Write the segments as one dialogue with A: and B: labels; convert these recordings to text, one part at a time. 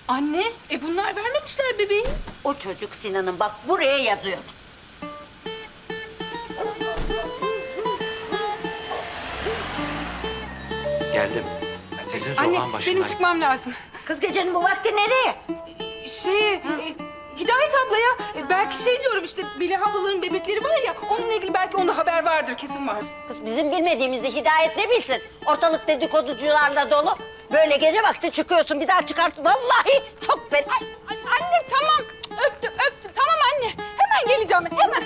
A: Anne, bunlar vermemişler bebeği.
B: O çocuk Sinan'ın, bak buraya yazıyor.
C: Geldim. Sizin
A: Anne,
C: sokağın başındayım.
A: benim çıkmam lazım.
B: Kız gecenin bu vakti nereye?
A: Hidayet ablaya belki diyorum işte Melih ablaların bebekleri var ya, onunla ilgili belki onda haber vardır, kesin var.
B: Kız bizim bilmediğimizi Hidayet ne bilsin? Ortalık dedikoducularla dolu. Böyle gece vakti çıkıyorsun, bir daha çıkarsın. Vallahi çok fena.
A: Anne tamam, öptüm. Tamam anne, hemen geleceğim ben, hemen.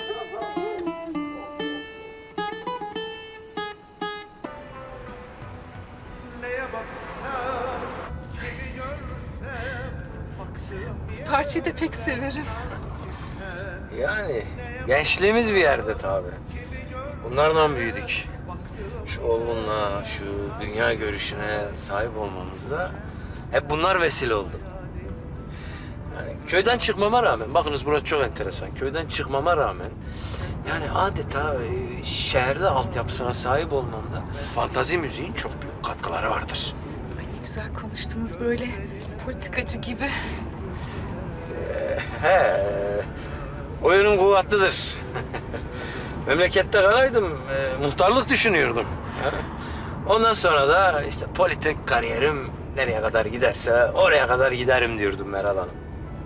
A: Bu parçayı da pek severim.
C: Yani gençliğimiz bir yerde tabii. Bunlardan büyüdük. Şu olgunluğa, şu dünya görüşüne sahip olmamızda hep bunlar vesile oldu. Yani köyden çıkmama rağmen, bakınız burası çok enteresan. Köyden çıkmama rağmen yani adeta şehirde altyapısına sahip olmamda fantazi müziğin çok büyük katkıları vardır.
A: Ay ne güzel konuştunuz böyle, politikacı gibi.
C: He, oyunun kuvvetlidir. Memlekette kalaydım, muhtarlık düşünüyordum. Ha? Ondan sonra da işte politik kariyerim nereye kadar giderse oraya kadar giderim diyordum Meral Hanım.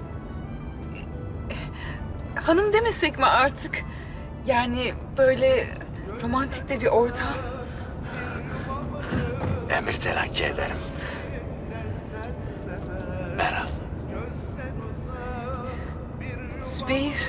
A: Hanım demesek mi artık? Yani böyle romantik de bir ortam.
C: Emir telakki ederim. Meral.
A: Zübeyir.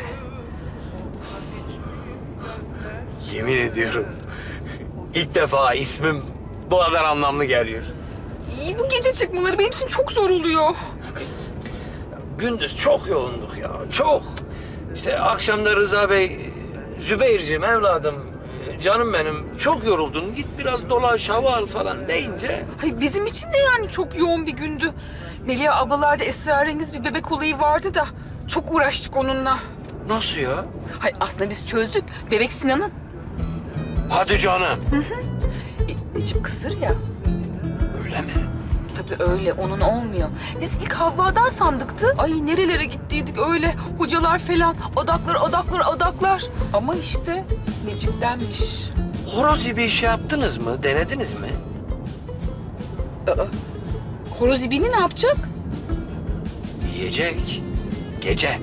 C: Yemin ediyorum ilk defa ismim bu kadar anlamlı geliyor.
A: İyi, bu gece çıkmaları benim için çok zor oluyor.
C: Gündüz çok yoğunduk ya, çok. İşte akşamda Rıza Bey, Zübeyir'ciğim evladım, canım benim çok yoruldun, git biraz dolaş, hava al falan deyince...
A: Hayır, bizim için de yani çok yoğun bir gündü. Melih ablalarda esrarengiz bir bebek olayı vardı da çok uğraştık onunla.
C: Nasıl ya?
A: Hayır, aslında biz çözdük. Bebek Sinan'ın.
C: Hadi canım.
A: Necip kısır ya.
C: Öyle mi?
A: Tabii öyle, onun olmuyor. Biz ilk Havva'dan sandıktı. Ay nerelere gittiydik öyle. Hocalar falan, adaklar. Ama işte Necip'tenmiş.
C: Horoz gibi bir şey yaptınız mı, denediniz mi?
A: Horoz ibini ne yapacak?
C: Yiyecek, gece.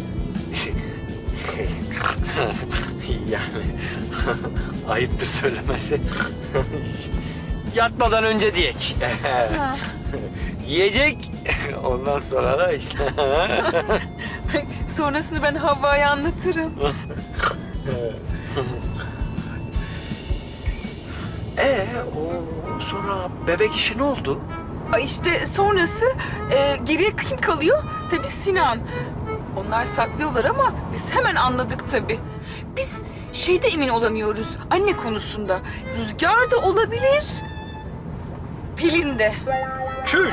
C: Yani ayıptır söylemesi. Yatmadan önce diyek. Yiyecek, ondan sonra da işte.
A: Sonrasını ben Havva'ya anlatırım.
C: O sonra bebek işi ne oldu?
A: Ay işte sonrası geriye kim kalıyor? Tabii Sinan. Onlar saklıyorlar ama biz hemen anladık tabii. Biz şeyde emin olamıyoruz, anne konusunda. Rüzgar da olabilir, Pelin de.
C: Çüş,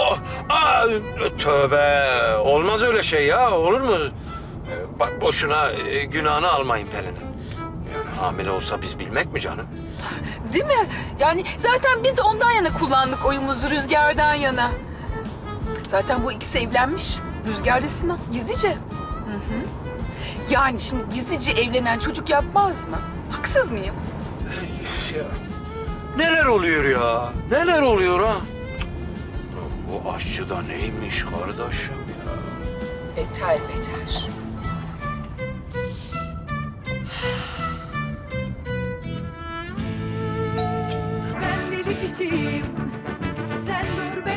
C: tövbe, olmaz öyle şey ya, olur mu? Bak boşuna günahını almayın Pelin'in. Yani hamile olsa biz bilmek mi canım?
A: Değil mi? Yani zaten biz de ondan yana kullandık oyumuzu, Rüzgar'dan yana. Zaten bu ikisi evlenmiş, Rüzgar ile Sinan, gizlice. Hı. Yani şimdi gizlice evlenen çocuk yapmaz mı? Haksız mıyım?
C: Ya, neler oluyor ya? Neler oluyor ha? Bu aşçı da neymiş kardeşim ya?
A: Beter beter.
D: Ben deli kişiyim, sen dur